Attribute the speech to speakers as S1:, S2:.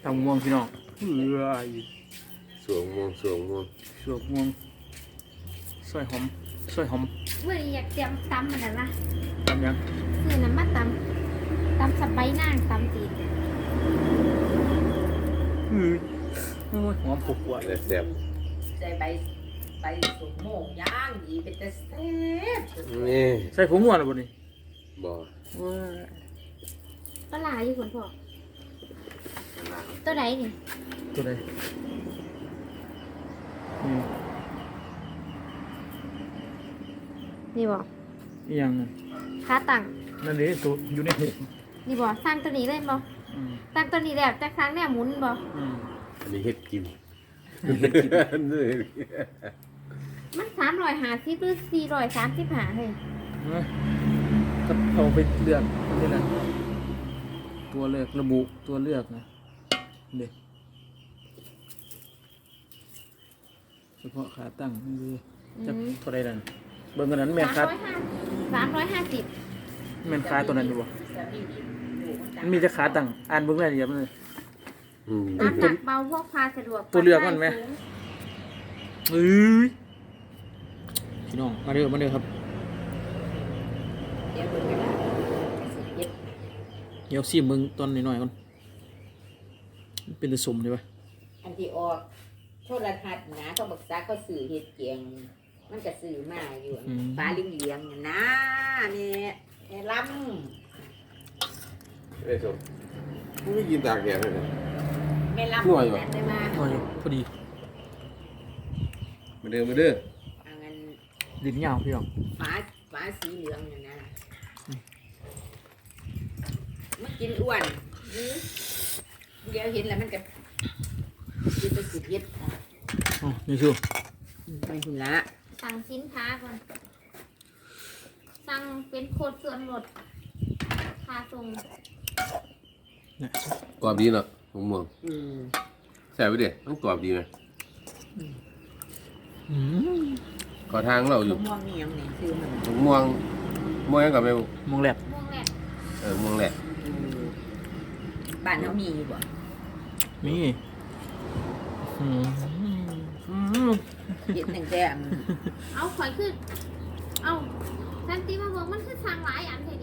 S1: ทำม่วงพี่น้องเฮ้ย
S2: สวงม่วง
S1: สวกม่วงซอยหอม
S3: เมื่อนี้อยากเตรียมตำมันนะ
S1: ทำยัง
S3: ซื้อน้ำมาตำสับใบนางตำตีน
S1: โอ้ยหอมปวดปวด
S2: แซ่บ
S4: ใส่ใบสุกโมกย่างดีเป็นแต่แซ่บ
S2: นี่
S1: ใส่ผงม่วงหรือเปล่านี่
S2: บ่
S1: ว้า
S3: ปลาหลาอยู่คนพ่อตัวไหนนี่
S1: ตัวใดนี่
S3: นี่บอก
S1: อีหยังนั่น
S3: ขาตัง
S1: นั่นนี่ตัวอยู่ในเห็ด
S3: นี่บอกสร้างตัวนี้เล่นบอ
S1: อืม
S3: สร้างตัวนี้แบบจะครั้งเนี่ยหมุนบอ
S1: อืม
S2: อันนี้เฮ็ดกิน
S3: มัน350หรือ435เลย
S1: ก็เอาไปเลือกนี่แหละตัวเลือกระบุตัวเลือกนะเด็กเฉพาะขาตั้งนี่เลยจะเท่าไรนั่นเบิ่งกันนั้นแม่นขา
S3: 350
S1: แม่นขาตัวนั้นอยู่บ่มันมีแต่ขาตั้งอ่านเบิ่งรายละเอียดมันเลย
S2: อืม
S3: น้ำหนักเบาพกพาสะดวก
S1: ตัวเลือกมันไหม เอ้ยพี่น้องมาเด้อครับ
S4: เดี๋ยวเบิ่งกันนะสิเฮ็ด
S1: เดี๋ยวซีมึงตอนหน่อยๆก่อนมันเป็นตะสมใช่ปะ
S4: อันที่ออกโทรทัศน์นะเขาบอกซาเขาสื่อเฮ็ดเกียง มันก็สื่อมาอยู่ฟ้าเลี้ยงๆน่ะนะแม่ลำ
S2: ไอ้สมมึงไม่กินตากแดดเลยนะ
S4: แม่ลำ
S2: หน่วยว่ะ
S4: ได้มา
S1: หน่อยพอดี
S2: มาเด้อ
S4: อันนั้น
S1: ลิ้นยาวพี่น้อง
S4: ฟ้าสีเหลืองน่ะนะมันกินอ้วนเดี๋ยวเห็นแล้วมันก็กินไปสิเฮ็ด
S1: อ๋อนี่ชู
S4: ไปหุ่นละ
S3: สั่งสินค้าก่อนสั่งเป็นโคตรส่วนลดค่าส่ง
S1: เนี่ย
S2: กรอบดีเนาะมะม่วง
S4: อืม
S2: แซ่บไปเด้มันกรอบดีไหม
S1: อืม
S2: ขอทางเราอยู่
S4: ม่วงนี่ยังนี่คือมัน
S2: มะม่วงยังกับแม่
S1: มองแหลบ
S3: ม่วงแหลก
S2: ม่วงแหละ
S4: บ้านเขามีอยู่บ่
S1: มีอืม
S4: เห็นตั้งแต่
S3: เอาข่อยขึ้นเอาทันทีมาบอกมันคือสั่งหลายอันเห็น